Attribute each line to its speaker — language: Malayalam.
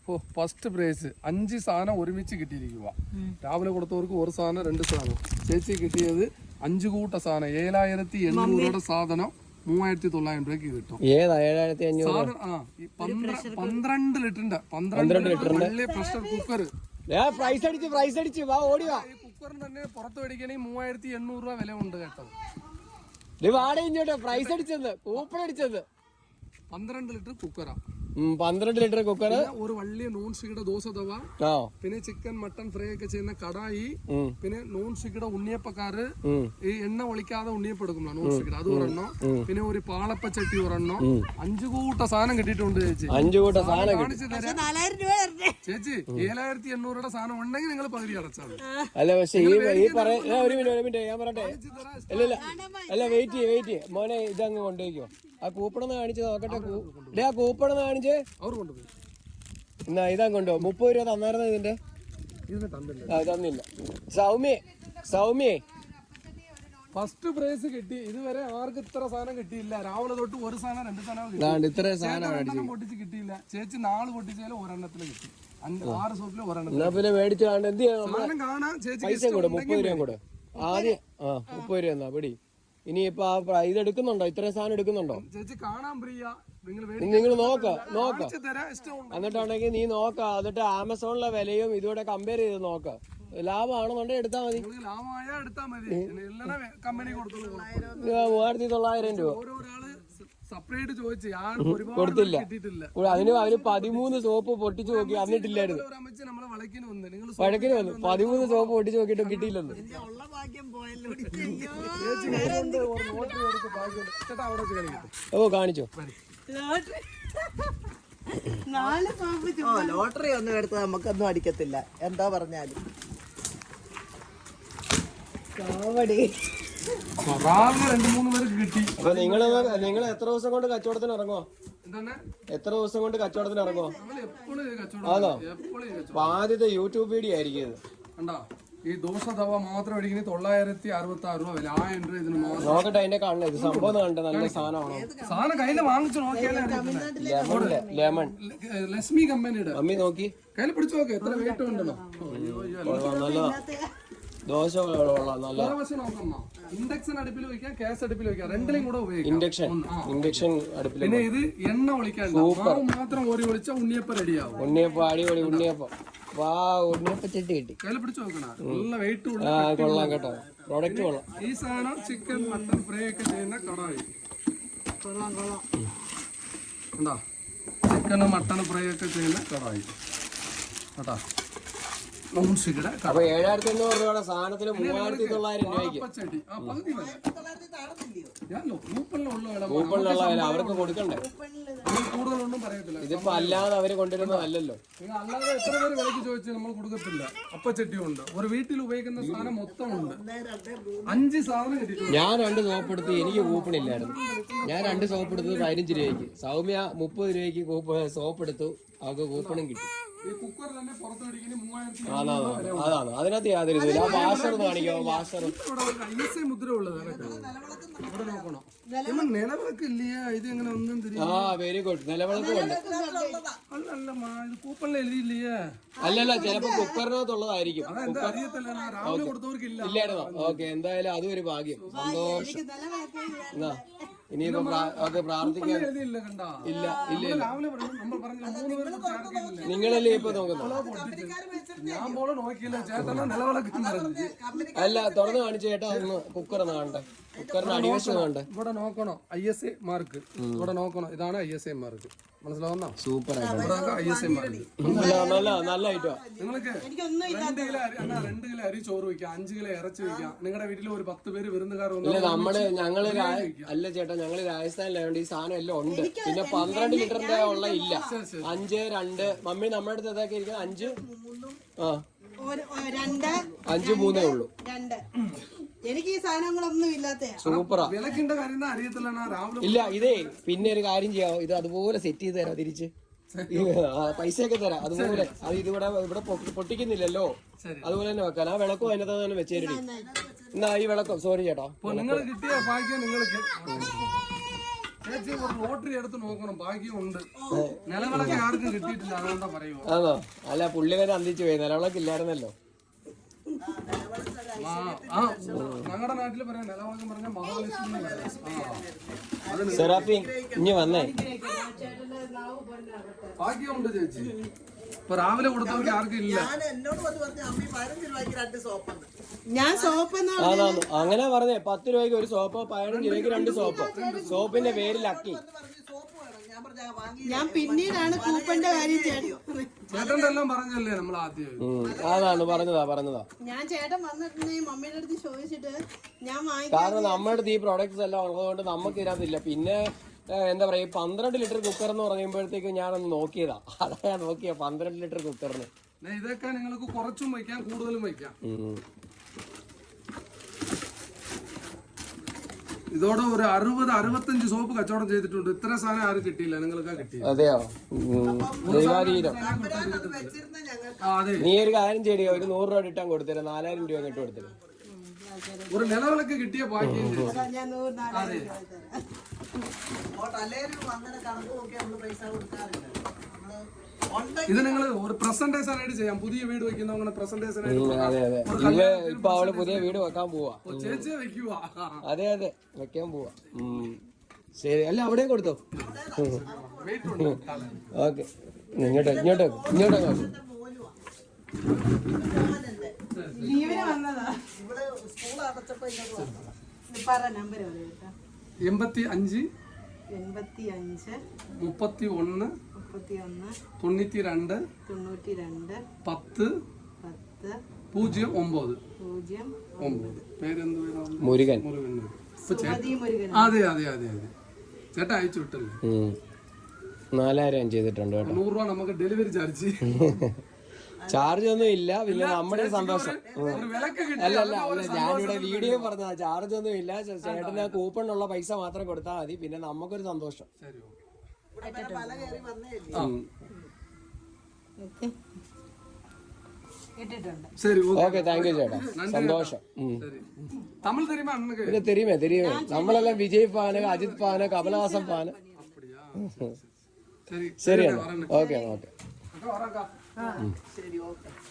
Speaker 1: ഫസ്റ്റ് പ്രൈസ് 5 സാധനം ഒരുമിച്ച് കിട്ടിയിരിക്കുക. രാവിലെ കൊടുത്തവർക്ക് ഒരു സാധനം 2 സാധനം. ചേച്ചി കിട്ടിയത് 5 കൂട്ട സാധനം 7800 സാധനം 3900 രൂപയ്ക്ക് കിട്ടും. 12 ലിറ്ററിന്റെ 12 വലിയ പ്രഷർ കുക്കർ. കുക്കറിന് തന്നെ പുറത്ത് മേടിക്കണേ 3800 രൂപ വില ഉണ്ട് കേട്ടോ. 12 ലിറ്റർ കുക്കറാ.
Speaker 2: 12 ലിറ്റർ കുക്കർ,
Speaker 1: ഒരു വലിയ നോൺ സ്റ്റിക്കിയുടെ ദോശ തവ, പിന്നെ ചിക്കൻ മട്ടൺ ഫ്രൈ ഒക്കെ ചെയ്യുന്ന കടായി, പിന്നെ നോൺ സ്റ്റിക്കിയുടെ ഉണ്ണിയപ്പക്കാര്, ഈ എണ്ണ ഒളിക്കാതെ ഉണ്ണിയപ്പം എടുക്കുമ്പോ നോൺ സ്റ്റിക്കിയുടെ അത് ഒരെണ്ണം, പിന്നെ ഒരു പാളപ്പച്ചട്ടി ഒരെണ്ണം. 5 കൂട്ട സാധനം കിട്ടിയിട്ടുണ്ട് ചേച്ചി.
Speaker 2: 5 കൂട്ട സാധനം
Speaker 1: കാണിച്ചു തരാം ചേച്ചി. 7800 സാധനം ഉണ്ടെങ്കിൽ നിങ്ങൾ പകുതി അടച്ചാൽ.
Speaker 2: അല്ല പക്ഷെ ഒരു മിനിറ്റ് ഞാൻ പറയട്ടെ. അല്ല വെയിറ്റ് മോനെ, ഇതങ്ങ് കൊണ്ടുപോയിക്കോ. ആ കൂപ്പണെന്ന് കാണിച്ച് നോക്കട്ടെ. ആ കൂപ്പണെന്ന് കാണിച്ച്
Speaker 1: അവർ കൊണ്ടുപോയി.
Speaker 2: എന്നാ ഇതാ കൊണ്ടോ. 30 രൂപ തന്നായിരുന്നു ഇതിന്റെ. തന്നില്ല. സൗമ്യേ
Speaker 1: ഫസ്റ്റ് പ്രൈസ് കിട്ടി. ഇതുവരെ ആർക്കും ഇത്ര സാധനം കിട്ടിയില്ല. രാവിലെ തൊട്ട് ഒരു സാധനം 2 സാധനം
Speaker 2: ഇത്ര സാധനം
Speaker 1: പൊട്ടിച്ച് കിട്ടിയില്ല. ചേച്ചി 4 പൊട്ടിച്ചാലും ഒരെണ്ണത്തിന് കിട്ടി. 6 സോപ്പില് ഒരെണ്ണം.
Speaker 2: പിന്നെ മേടിച്ചു കാണാൻ എന്ത്
Speaker 1: സാധനം കാണാൻ ചേച്ചി
Speaker 2: പൈസ കൂടെ 30 രൂപ കൂടെ ആദ്യം. 30 രൂപ എന്നാ പിടി. ഇനിയിപ്പോ ഇത് എടുക്കുന്നുണ്ടോ? ഇത്രയും സാധനം എടുക്കുന്നുണ്ടോ?
Speaker 1: ചേച്ചി കാണാൻ പ്രിയ,
Speaker 2: നിങ്ങൾ നോക്ക എന്നിട്ടുണ്ടെങ്കിൽ നീ നോക്ക. എന്നിട്ട് ആമസോണിലെ വിലയും ഇതുകൂടെ കമ്പയർ ചെയ്ത് നോക്ക. ലാഭമാണെന്നുണ്ടെങ്കിൽ എടുത്താൽ മതി. 3900 രൂപ കൊടുത്തില്ല. അതിന് അവര് 13 സോപ്പ് പൊട്ടിച്ചു നോക്കി, എന്നിട്ടില്ലായിരുന്നു. വഴക്കിന് വന്നു. 13 സോപ്പ് പൊട്ടിച്ചു നോക്കിയിട്ടും കിട്ടിയില്ലെന്ന്. ഓ കാണിച്ചോ.
Speaker 3: ലോട്ടറി ഒന്നും എടുത്ത് നമുക്കൊന്നും അടിക്കത്തില്ല. എന്താ പറഞ്ഞാലും
Speaker 2: അപ്പൊ നിങ്ങൾ എത്ര ദിവസം കൊണ്ട് കച്ചവടത്തിന് ഇറങ്ങോ? എത്ര ദിവസം കൊണ്ട് കച്ചവടത്തിന് ഇറങ്ങോ? അതോ? അപ്പൊ ആദ്യത്തെ യൂട്യൂബ് വീഡിയോ ആയിരിക്കും ഇത്.
Speaker 1: ഈ ദോശ തവ മാത്രം മേടിക്കുന്നത് 966 രൂപ വില. 1000 രൂപ ഇതിന് മാത്രം.
Speaker 2: നോക്കട്ടെ അതിന്റെ കാണണേ. ഇത് സംഭവം കണ്ടേ നല്ല സാധനമാണോ?
Speaker 1: സാധനം കയ്യിൽ വാങ്ങിച്ചു നോക്കിയാലേ.
Speaker 2: ലെമൺ
Speaker 1: ലക്ഷ്മി കമ്പനിയുടെ.
Speaker 2: അമ്മി നോക്കി
Speaker 1: കയ്യിൽ പിടിച്ചു നോക്ക് എത്ര വെയിറ്റ് ഉണ്ടല്ലോ.
Speaker 2: നല്ലതാ ദോശ.
Speaker 1: ഇൻഡക്ഷൻ അടുപ്പിൽ വെക്കാം, ഗ്യാസ് അടുപ്പിൽ വെക്കാം, രണ്ടിലും കൂടെ ഉപയോഗിക്കാം.
Speaker 2: ഇൻഡക്ഷൻ അടുപ്പിൽ.
Speaker 1: പിന്നെ ഇത് എണ്ണ ഒളിക്കാൻ മാത്രം ഓരി ഒളിച്ച ഉണ്ണിയപ്പം റെഡിയാവും.
Speaker 2: ഉണ്ണിയപ്പം അടിപൊളി ഉണ്ണിയപ്പം. വാ ഉണ്ണിയപ്പം ചെട്ടി കിട്ടി.
Speaker 1: കയ്യിൽ പിടിച്ചു നോക്കണം. നല്ല വെയിറ്റ്
Speaker 2: കൊള്ളാം കേട്ടോ. പ്രോഡക്റ്റ് കൊള്ളാം.
Speaker 1: ഈ സാധനം ചിക്കൻ മട്ടൺ ഫ്രൈ ഒക്കെ ചെയ്യുന്ന കടായി. എന്താ ചിക്കൻ മട്ടൺ ഫ്രൈ ഒക്കെ ചെയ്യുന്ന കടായി കേട്ടാ.
Speaker 2: അപ്പൊ 7500 രൂപയുടെ സാധനത്തിന് 3900 രൂപയ്ക്ക് കൂപ്പണിലുള്ള വില അവർക്ക് കൊടുക്കണ്ടേ?
Speaker 1: കൂടുതലൊന്നും പറയത്തില്ല.
Speaker 2: ഇതിപ്പോ അല്ലാതെ അവര് കൊണ്ടുവരുന്നതല്ലല്ലോ.
Speaker 1: അല്ലാതെ എത്ര പേര് വിലക്ക് ചോദിച്ചാൽ നമ്മൾ കൊടുക്കത്തില്ല. അപ്പച്ചട്ടി ഉണ്ട്, ഒരു വീട്ടിൽ ഉപയോഗിക്കുന്ന സാധനം മൊത്തം ഉണ്ട്. 5 സാധനം കിട്ടിയിട്ടുണ്ട്.
Speaker 2: ഞാൻ 2 സോപ്പ് എടുത്ത് എനിക്ക് കൂപ്പണില്ലായിരുന്നു. ഞാൻ 2 സോപ്പ് എടുത്തത് 15 രൂപയ്ക്ക്. സൗമ്യ 30 രൂപയ്ക്ക് സോപ്പ് എടുത്തു. അവർക്ക് കൂപ്പണും കിട്ടി. അതാണ് അതിനകത്ത് യാതൊരു ഇതില്ല. ആ വാഷർ കാണിക്കോ. വാഷർ
Speaker 1: മുദ്ര ഉള്ളത് നിലവിളക്ക് ഇല്ലയാ. ഇത് എങ്ങനെ ഒന്നും
Speaker 2: ആ വെരി ഗുഡ്. നിലവിളക്കും ഉണ്ട്.
Speaker 1: കൂപ്പണിൽ എഴുതിയില്ലയാ.
Speaker 2: അല്ലല്ല ചിലപ്പോ കുക്കറിനകത്തുള്ളതായിരിക്കും. ഇല്ലായിരുന്നോ? ഓക്കെ എന്തായാലും അതും ഒരു ഭാഗ്യം. സന്തോഷം. എന്നാ ഇനിയിപ്പോ പ്രാർത്ഥിക്കാൻ ഇല്ല. നിങ്ങളല്ലേ ഇപ്പൊ നോക്കുന്നത്? അല്ല തുറന്നു കാണിച്ചു ചേട്ടാ. ഒന്ന് കുക്കർ കാണണ്ടേ? കുക്കറിന് അടിവശം കാണണ്ടേ?
Speaker 1: ഇവിടെ നോക്കണോ ISA മാർക്ക്. ഇവിടെ നോക്കണോ. ഇതാണ് ISA മാർക്ക്. മനസ്സിലാവുന്നോ?
Speaker 2: സൂപ്പർ ആയിട്ട്
Speaker 1: ISA മാർക്ക്.
Speaker 2: നല്ല ഐറ്റോ.
Speaker 1: നിങ്ങൾക്ക് 2 കിലോ അരി ചോറ് വെക്കാം, 5 കിലോ ഇറച്ചി വെക്കാം. നിങ്ങളുടെ വീട്ടിൽ ഒരു 10 പേര് വിരുന്നുകാർ
Speaker 2: ഞങ്ങള് അല്ല ചേട്ടാ, ഞങ്ങള് രാജസ്ഥാനിലായതുകൊണ്ട് ഈ സാധനം എല്ലാം ഉണ്ട്. പിന്നെ 12 ലിറ്ററിന്റെ ഉള്ള ഇല്ല. 5, 2 മമ്മി നമ്മുടെ അടുത്ത് ഇതൊക്കെ ഇരിക്കുന്നത് 5 5, 3 ഉള്ളൂ.
Speaker 3: എനിക്ക് ഈ സാധനങ്ങളൊന്നും ഇല്ലാത്ത
Speaker 2: സൂപ്പറാ.
Speaker 1: വിലക്കിന്റെ കാര്യം അറിയത്തില്ല.
Speaker 2: ഇല്ല ഇതേ പിന്നെ ഒരു കാര്യം ചെയ്യാമോ? ഇത് അതുപോലെ സെറ്റ് ചെയ്ത് തരാം. തിരിച്ച് പൈസയൊക്കെ തരാം അതുപോലെ. അത് ഇവിടെ പൊട്ടിക്കുന്നില്ലല്ലോ, അതുപോലെ തന്നെ വെക്കാൻ. ആ വിളക്കും അതിനകത്ത് തന്നെ വെച്ചേരടി. എന്നാ ഈ വിളക്കം സോറി ചേട്ടാ.
Speaker 1: നിങ്ങൾ കിട്ടിയ ഭാഗ്യം നിങ്ങൾക്ക്. ചേച്ചി ഒരു ലോട്ടറി എടുത്ത് നോക്കണം, ഭാഗ്യമുണ്ട്. നിലവിളക്ക് ആർക്കും കിട്ടിയിട്ടില്ല, അതുകൊണ്ടാ പറയുമോ.
Speaker 2: ആണോ? അല്ല, പുള്ളിക്കാരെ അന്തിച്ചു പോയി, നിലവിളക്ക് ഇല്ലായിരുന്നല്ലോ.
Speaker 1: ഞങ്ങളുടെ നാട്ടില് പറയാം നിലവിളക്കം പറഞ്ഞ മഹാലക്ഷ്മി.
Speaker 2: സെറാഫി ഇനി വന്നേ.
Speaker 1: ഭാഗ്യമുണ്ട് ചേച്ചി. ഇപ്പൊ രാവിലെ കൊടുത്തവർക്ക് ആർക്കും ഇല്ല.
Speaker 3: ഞാൻ സോപ്പ്
Speaker 2: അതാണ് അങ്ങനെ പറഞ്ഞേ. 10 രൂപയ്ക്ക് ഒരു സോപ്പ്, 15 രൂപയ്ക്ക് 2 സോപ്പ്. സോപ്പിന്റെ പേര് ലക്കി.
Speaker 3: ഞാൻ പിന്നീടാണ് കൂപ്പന്റെ കാര്യം
Speaker 1: ചേട്ടൻ്റെ എല്ലാം പറഞ്ഞല്ലേ നമ്മൾ ആദ്യം.
Speaker 2: അതാണ് പറഞ്ഞതാ.
Speaker 3: ഞാൻ ചേട്ടൻ വന്നിട്ടുണ്ടെങ്കിൽ മമ്മിയുടെ അടുത്ത് ചോദിച്ചിട്ട് ഞാൻ
Speaker 2: കാരണം നമ്മുടെ അടുത്ത് ഈ പ്രോഡക്ട്സ് എല്ലാം ഉള്ളതുകൊണ്ട് നമുക്ക് ഇതിനകത്തില്ല. പിന്നെ എന്താ പറയാ, 12 ലിറ്റർ കുക്കർ എന്ന് പറയുമ്പോഴത്തേക്ക് ഞാനൊന്ന് നോക്കിയതാ. അതാ ഞാൻ നോക്കിയ 12 ലിറ്റർ കുക്കറിന്.
Speaker 1: ഇതൊക്കെ നിങ്ങൾക്ക് കുറച്ചും വയ്ക്കാം, കൂടുതലും വയ്ക്കാം. ഇതോടെ ഒരു 60-65 സോപ്പ് കച്ചവടം ചെയ്തിട്ടുണ്ട്. ഇത്ര സാധനം ആരും കിട്ടിയില്ല, നിങ്ങൾക്ക് കിട്ടി.
Speaker 2: അതെയോ? ദൈവാധീനം. നീ ഒരു കാര്യം ചെയ്യോ, ഒരു 100 രൂപ ഇട്ടാൻ കൊടുത്തരാം, 4000 രൂപ ഇട്ട് കൊടുത്തരാം.
Speaker 1: ഒരു നിലവിളക്ക് കിട്ടിയ ഭാഗ്യം. ഇത് നിങ്ങൾ ഒരു പ്രസന്റേഷൻ ആയിട്ട് ചെയ്യാം. പുതിയ വീട് വെക്കുന്ന അങ്ങനെ പ്രസന്റേഷൻ ആയിട്ട്.
Speaker 2: ഇപ്പൊ അവള് പുതിയ വീട് വെക്കാൻ പോവാ.
Speaker 1: ചേച്ചിയെ വെക്കുക.
Speaker 2: അതെ വെക്കാൻ പോവാ. ശരി, അല്ല അവിടെയും കൊടുത്തോ. ഓക്കെ, ഇങ്ങോട്ടോ.
Speaker 3: ലീവിന് വന്നതാ.
Speaker 1: 85 31 92 10 09. പേരെന്ത്?
Speaker 2: മുരുകൻ.
Speaker 1: അതെ. ചേട്ടാ അയച്ചു വിട്ടല്ലേ.
Speaker 2: 4000 ചെയ്തിട്ടുണ്ട് കേട്ടോ.
Speaker 1: 100 രൂപ നമുക്ക് ഡെലിവറി ചാർജ്.
Speaker 2: ചാർജ് ഒന്നും ഇല്ല. പിന്നെ നമ്മുടെ സന്തോഷം. അല്ല ഞാനിവിടെ വീഡിയോ പറഞ്ഞതാ. ചാർജ് ഒന്നും ഇല്ല. ചേട്ടന് കൂപ്പണിനുള്ള പൈസ മാത്രം കൊടുത്താൽ മതി. പിന്നെ നമുക്കൊരു സന്തോഷം. ഓക്കെ, താങ്ക് യു ചേട്ടാ, സന്തോഷം.
Speaker 1: തമിഴ് தெரியுமா அண்ணனுக்கு?
Speaker 2: പിന്നെ தெரியுமே. നമ്മളെല്ലാം Vijay fan, Ajith fan, Kamal Haasan fan. ശരിയാണ്. ഓക്കെ.
Speaker 3: ശരി, ഓക്കെ.